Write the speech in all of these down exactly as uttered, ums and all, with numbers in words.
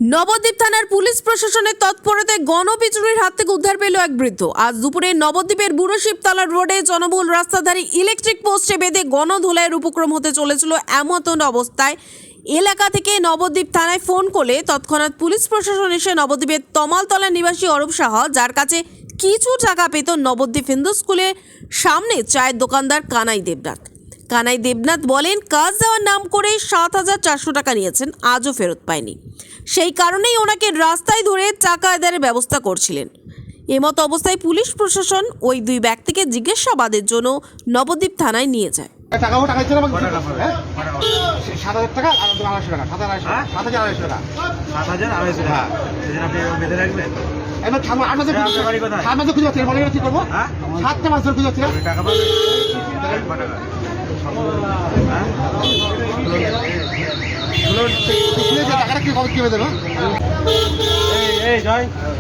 নবদ্বীপ থানার পুলিশ প্রশাসনের তৎপরতায় গণপিটুনির হাত থেকে উদ্ধার পেল এক বৃদ্ধ। আজ দুপুরে নবদ্বীপের বুড়ো শিবতলা রোডে জনবহুল রাস্তাধারী ইলেকট্রিক পোস্টে বেঁধে গণধোলাইয়ের উপক্রম হতে চলেছিল এমন অবস্থায় এলাকা থেকে নবদ্বীপ থানায় ফোন করলে তৎক্ষণাৎ পুলিশ প্রশাসন এসে নবদ্বীপের তমালতলা নিবাসী অরূপ সাহা, যার কাছে কিছু টাকা পেত নবদ্বীপ হিন্দু স্কুলের সামনে চায়ের দোকানদার কানাই দেবনাথ। কানাই দেবনাথ বলেন, কাজ দেওয়ার নাম করে সাত হাজার চারশো টাকা নিয়েছেন, আজও ফেরত পায়নি। সেই কারণেই ওনাকে রাস্তায় ধরে টাকা আদায়ের ব্যবস্থা করছিলেন। এমত অবস্থায় পুলিশ প্রশাসন ওই দুই ব্যক্তিকে জিজ্ঞাসাবাদের জন্য নবদ্বীপ থানায় নিয়ে যায়। টাকা টাকা ছিল সাত হাজার টাকা আর আড়াইশো টাকা সাত হাজার সাত হাজার আড়াইশো টাকা সাত হাজার আড়াইশো টাকা আপনি বেঁধে রাখবেন। এবার আট মাসে সাত মাসে খুঁজে পাচ্ছি বলে কি করবো? সাতটা মাস ধরে খুঁজে পাচ্ছি টাকা পাবেন টাকাটা কি খবর কি হয়ে দেবো? এই জয়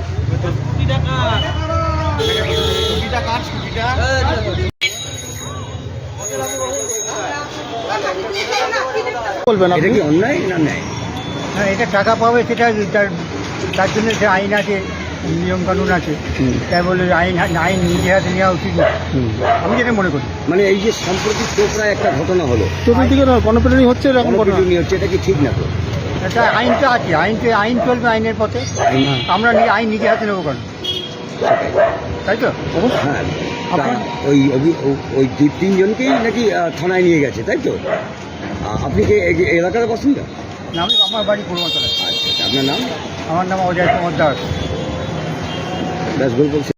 বলবেন এটা কি অন্যায় না ন্যায়? হ্যাঁ, এটা টাকা পাবে সেটা তার তার জন্য সে আইন আছে, নিয়ম কানুন আছে। তাই বলে আইন আইন নিজে হাতে নেওয়া উচিত না, আমি যেটা মনে করি। মানে এই যে সম্প্রতি চোপড়ায় একটা ঘটনা হলো, চতুর্দিকে গণপিটুনি হচ্ছে, এরকম ঘটনা গণপিটুনি হচ্ছে, এটা কি ঠিক না? তো এটা আইনটা আছে, আইনকে আইন চলবে আইনের পথে। আমরা নি- আইন নিজে হাতে নেবো কেন, তাই তো? হ্যাঁ, তা ওই অভি- ও- ওই দুই তিনজনকেই নাকি আহ, থানায় নিয়ে গেছে, তাই তো? আ- আপনি কি এই এলাকার বাসিন্দা? না, আমি আমার বাড়ি পূর্বাঞ্চলে। আচ্ছা, আপনার নাম? আমার নাম অজয় কুমার দাস। ব্যাস বলছি।